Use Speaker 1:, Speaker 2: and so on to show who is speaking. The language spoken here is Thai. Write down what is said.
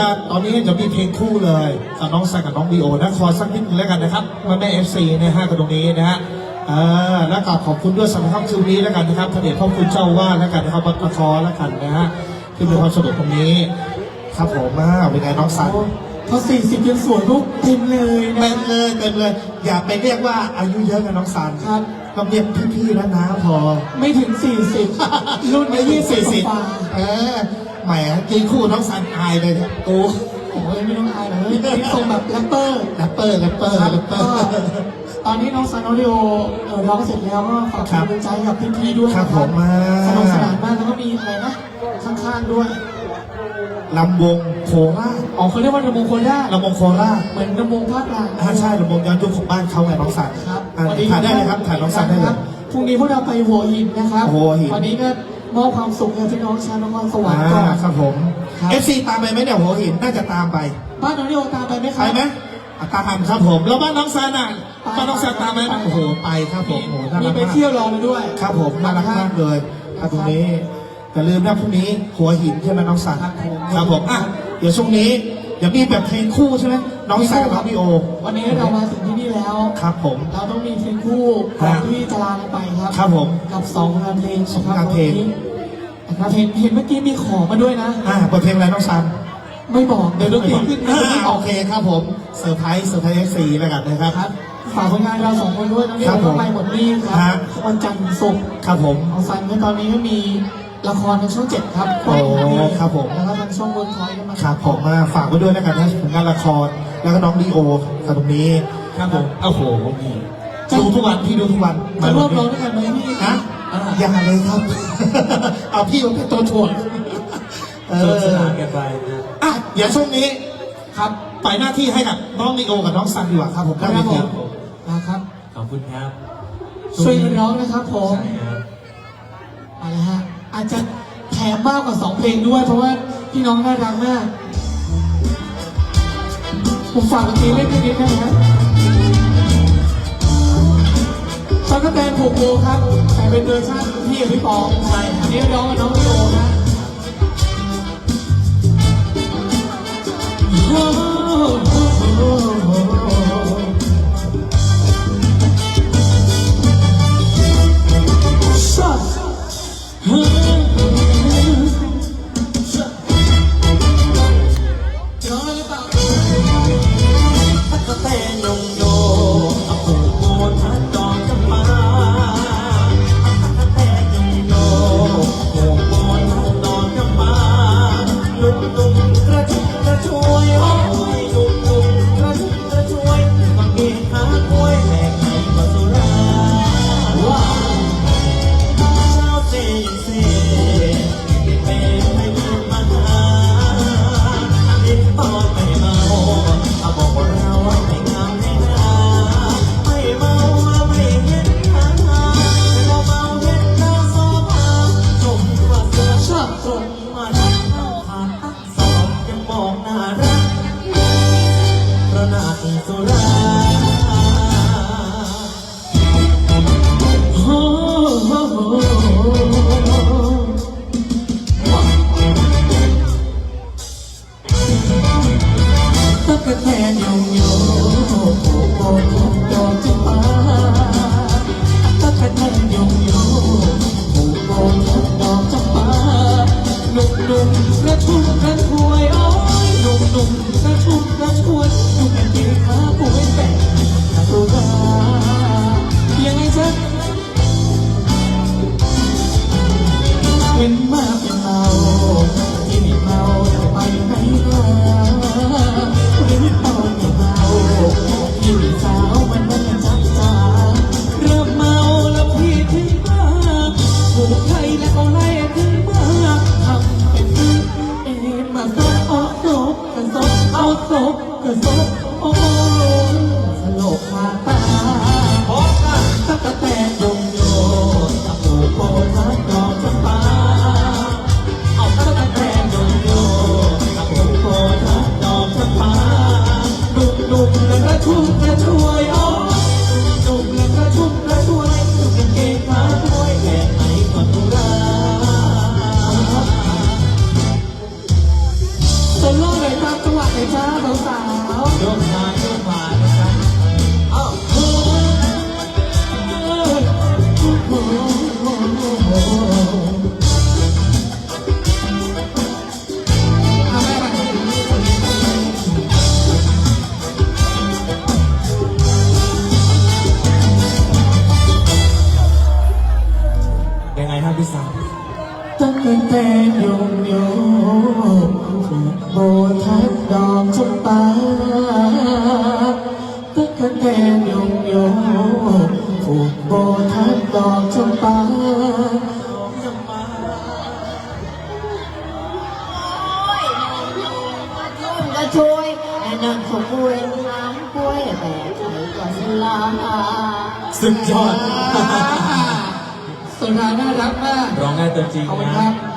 Speaker 1: ตอนนี้จะมีเพลงคู่เลยกับน้องซันกับน้องบีโอนะขอสักนิดนึงแล้วกันนะครับมาแม่ FC นะฮะกับตรงนี้นะฮะแล้วก็ขอบคุณด้วยสำหรับคืนนี้แล้วกันนะครับพระเดชพระคุณเจ้าว่าแล้วกันนะครับวัดประคอแล้วกันนะฮะที่มีความสนุกตรงนี้ครับผมเป็นไงน้องซัน
Speaker 2: พอ40ยังสวยลูกเต็มเลยนะ
Speaker 1: เต็มเลยอย่าไปเรียกว่าอายุเยอะกับน้องซัน
Speaker 2: ครับ
Speaker 1: ต้องเรียกพี่ๆแล้วนะพอ
Speaker 2: ไม่ถึง40รุ่นอายุ40
Speaker 1: แหมกินคู่น้องซันอายเลยโอ้
Speaker 2: ยไม่ต้องอายเลยที่ทรงแบบแรปเปอร์ตอนนี้น้องซันน้องดิโอร้องเสร็จแล้วก็ฝากเป็นกำลังใจกับพี่ๆด้วย
Speaker 1: ครับผม
Speaker 2: สนุกสนานมากแล้วก็มีอะไรนะข้างๆด้วย
Speaker 1: ลำวงโคราช
Speaker 2: เขาเรียกว่าลำวงโคราชเหมือนลำวงภาคกลาง
Speaker 1: ใช่ลำวงย้อนยุคของบ้านเขาไงน้องสัน
Speaker 2: ครับ
Speaker 1: ถ่ายได้เลยครับถ่ายน้องสันได้เลย
Speaker 2: พรุ่งนี้พวกเราไปหัวหินนะครับวันนี้ก็มอบความสุขให้พี่น้องชาวนครสวรรค์ก่อน
Speaker 1: ครับผม FC ตามไปไหมเนี่ยหัวหินน่าจะตามไป
Speaker 2: บ้านน้องดิโอตามไปไหมครับ
Speaker 1: ไปไหมตามครับผมแล้วบ้านน้องซันบ้านน้องซันตามไหมโอ้โหไปครับผม
Speaker 2: มีไปเที่ยวรอเลยด้วย
Speaker 1: ครับผมน่ารักมากเลยครับตรงนี้อย่าลืมนะพรุ่งนี้หัวหินใช่ไหมน้องซันครับผมเดี๋ยวช่วงนี้เดี๋ยวมีแบบเพลงคู่ใช่ไหมน้องซันกับน้องพี่โอ
Speaker 2: วันนี้เรามาถึงที่นี่แล้ว
Speaker 1: ครับผม
Speaker 2: เราต้องมีเพลงคู่ก่อนที่จะลาไปครับ
Speaker 1: ครับผม
Speaker 2: กับ2 งานเพลงนะครับเพลงเห็นเมื่อกี้มีขอมาด้วยนะ
Speaker 1: บทเพลงอะไรน้องซัน
Speaker 2: ไม่บอกเดี๋ยวดนตรีขึ้น
Speaker 1: โอเคครับผมเซอร์ไพรส์FC แล้วกันนะครับ
Speaker 2: ฝากผลงานเรา2 คนด้วยน้องดิโอก็ไปหมดนี่ครับวันจันทร์ถึงศุกร์
Speaker 1: ครับผม
Speaker 2: น้องซันก็ตอนนี้ก็มีละครทางช่อง7ครับ
Speaker 1: โอ้ครับผม
Speaker 2: แล้วก็ทางช่องเวิร์คพอยต์ก็มา
Speaker 1: ครับผมฝากไว้ด้วยแล้วกันนะผลงานละครแล้วก็น้องดีโอกับตรงนี้ครับผมโอ้โหดูทุกวันพี่ดูทุกวัน
Speaker 2: จะร่วมร้องด้วยกันไหมพี่
Speaker 1: ยังเลยครับเอาพี่มาเป็นตัวถ่วง
Speaker 3: สนานกันไป
Speaker 1: เดี๋ยวช่วงนี้
Speaker 2: ครับ
Speaker 1: ปล่อยหน้าที่ให้กับน้องดีโอกับน้องซันดีกว่าครับผม
Speaker 2: ครับผมนะครับ
Speaker 3: ขอบคุณครับ
Speaker 2: ช่วยกันร้องนะครับผมอะไรฮะอาจจะแถมมากกว่า2 เพลงด้วยเพราะว่าพี่น้องน่ารักมากผมฝากดนตรีเล่นนิดนึงนะตอนก็แต่ผูกโบครับแต่เป็นเวอร์ชันพี่กับพี่ปองใช่อันนี้ร้องกับน้องโยนะเป็นมาเป็นเมาที่ไม่เมาจะไปไหนล่ะเป็นเมาไม่เมาที่มีสาวมันจับตาเริ่มเมาแล้วพี่ถึงมาผูกไทยแล้วก็ไล่ถึงมาทำเป็นมาซบเอาซบกันซบเอาซบกันซบโอ้สลบมาตาตั๊กแตนยงโยจับผูกโบทัดดอกจำปานุ่มและกระชุ่มกระชวยอ๋อนุ่มและกระชุ่มกระชวยนุ่มกางเกงขาด้วยแค่ไหนก็ตุลาโซโล่เลยครับสาว
Speaker 3: โยกมาโยกมานะครับเอ้า
Speaker 2: ๆโอ้โหทำไมมัน
Speaker 3: ยังไงครับพี่สาว
Speaker 2: ตั้งแต่โยงโยผูกโบทัดดอกจำปาตั้งแต่โยงโยผูกโบทัดดอกจำปา
Speaker 4: ก็ช่วยนั่งขบวนน้ำกล้วยแต่ไข่ก็สลา
Speaker 3: สุดยอด
Speaker 2: สุดท้ายน่ารักมาก
Speaker 3: ร้องได้ตัวจริง
Speaker 2: ขอบคุณ
Speaker 3: นะ
Speaker 2: ครับ